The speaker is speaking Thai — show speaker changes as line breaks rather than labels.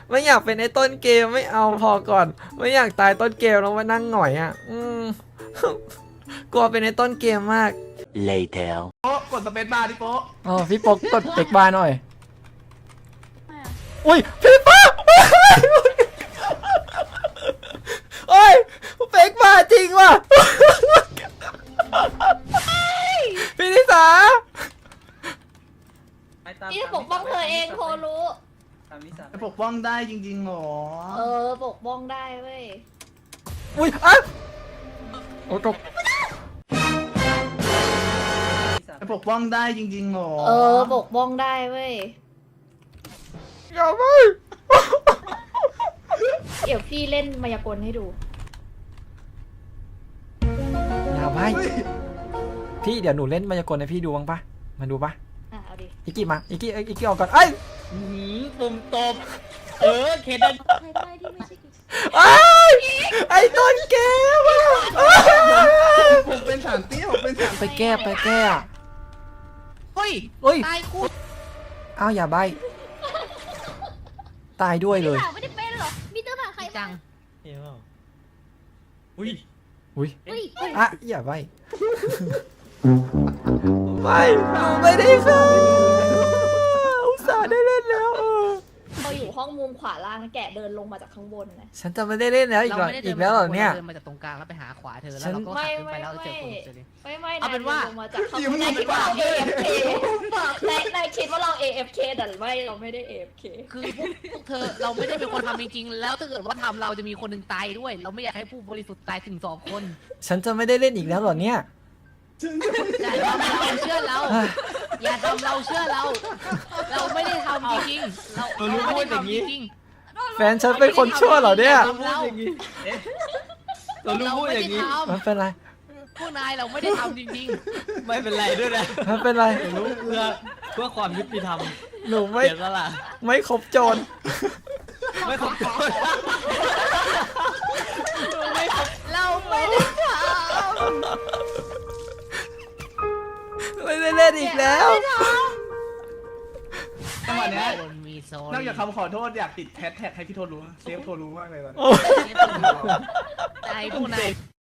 ไม่อยากเป็นไอ้ต้นเกมไม่เอาพอก่อน ไม่อยากตายต้นเกมแล้วมานั่งหงอยอ่ะกลัวเป็นไอ้ต้นเกมมาก
Later
โป๊ะกดสเปซบาร์ดิโป๊ะ
อ๋อพี่ปกกดเบรกบาร์หน่อยอุ้ยพี่ป๊กโอ้ยเบรกบาร์จริงว่ะพี่นิสา
พี่จะปกป้องเธอเองโทรู้
จะปกป้องได้จริงๆหรอ
ปกป้องได้เว้ย
อุ้ยอ่ะโอ้ตก
จะปกป้องได้จริงๆหรอ
ปกป้องได้เว้ย
อย่าไป
เดี๋ยวพี่เล่นมายากลให้ดู
อย่าไปพี่เดี๋ยวหนูเล่นมายากลให้พี่ดูบ้างปะมาดูปะ
เอาดิ
อิกกี้มาอิกกี้ออกก่อนเอ้ย
ปุ่มตบเคนดัน
ไอ้ไอ้ต้นเกมอ่ะ
ผมเป็นสารเตี้ยผมเป็นสาร
ไปแก้อะ
เฮ้ย
เฮ้ย
ตายคู่
อ้าวอย่าใบตายด้วยเลย
ไม่ได้เป็นหรอมีเตอร์ผ่าใคร
จัง
อุ้ย
อุ้ย
อ่ะอย่าใบไม่หนูไม่ได้ค่ะอุตส่าห์ได้เล่นแล้ว
เราอยู่ห้องมุมขวาล่างนะแกะเดินลงมาจากข้างบนนะ
ฉันจะไม่ได้เล่นแล้วอีกแล้วเหรอเนี่ย
เดินมาจากตรงกลางแล้วไปหาขวาเธอแล้วเราก็ขับขึ้นไปแล้วเจอคนเจอเลย
ไม่
เอาเป็นว่า
ลงมาจากข้างบนนายคิดว่าเรา AFK นายคิดว่าเรา AFK แต่ไม่เราไม่ได้ AFK
คือพวกเธอเราไม่ได้เป็นคนทำจริงๆแล้วถ้าเกิดว่าทำเราจะมีคนหนึ่งตายด้วย เราไม่อยากให้ผู้บริสุทธิ์ตายถึง2 คน
ฉันจะไม่ได้เล่นอีกแล้วเหรอเนี่ย
อย่าทำเราเชื่อเรา อย่าทำเราเชื่อเรา เราไม่ได้ทำจริงๆเราไม่ได้ทำจริง
แฟนฉันเป็นคนชั่วเหรอเนี่ย
เรารู้พูดอย่างนี้
มันเป็นไร
พวกนายเราไม่ได้ทำจริง
ไม่เป็นไรด้วยนะ
มันเป็นไร
รู้เพื่อความยุติธรรม
หนูไม่
เสียสละ
ไม่ครบโจร
ไม่ขอบคุณ
ๆ เราไม่ได้ท
ไม่ได้เล่นอีกแล้ว
จังหวะเนี้ย
ำคนมีโซน
นอกจากคำขอโทษอยากติดแฮชแท็กให้พี่โทรู้เซฟโทรู้มากเลยตอนนี้
ใจพวกนาย